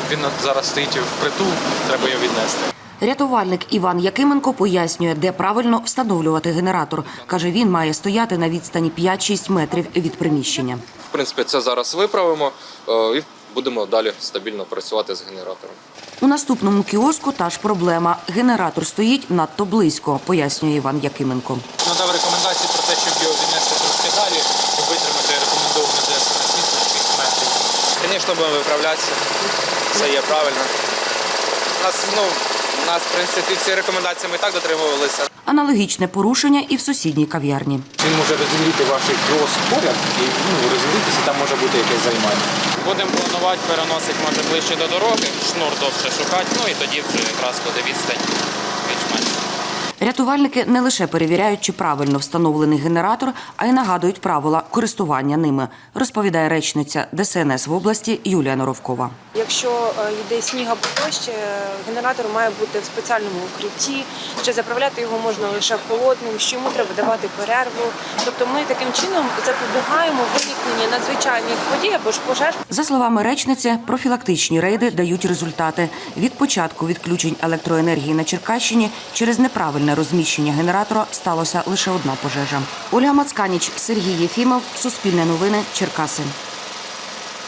Він зараз стоїть впритул, треба його віднести. Рятувальник Іван Якименко пояснює, де правильно встановлювати генератор. Каже, він має стояти на відстані 5-6 метрів від приміщення. В принципі, це зараз виправимо і будемо далі стабільно працювати з генератором. У наступному кіоску та ж проблема. Генератор стоїть надто близько, пояснює Іван Якименко. Надав рекомендації про те, щоб його віднести трошки далі і витримати рекомендовану ДСНС відстань 6 метрів. Звісно, будемо виправлятися. Це є правильно. У нас, в принципі, всі рекомендації ми і так дотримувалися. Аналогічне порушення і в сусідній кав'ярні. Він може розігріти ваш кіоск поряд і розігрітися, там може бути якесь займання. Будемо планувати переносити, може, ближче до дороги, шнур довше шукати, і тоді вже якраз буде відстань більш-менш. Рятувальники не лише перевіряють, чи правильно встановлений генератор, а й нагадують правила користування ними, розповідає речниця ДСНС в області Юлія Норовкова. Якщо йде сніг або дощ, генератор має бути в спеціальному укритті, що заправляти його можна лише холодним, що йому треба давати перерву. Тобто ми таким чином запобігаємо виникненню надзвичайних подій або ж пожеж. За словами речниці, профілактичні рейди дають результати. Від початку відключень електроенергії на Черкащині через неправильне розміщення генератора сталося лише одна пожежа. Ольга Мацканіч, Сергій Єфімов, Суспільне новини, Черкаси.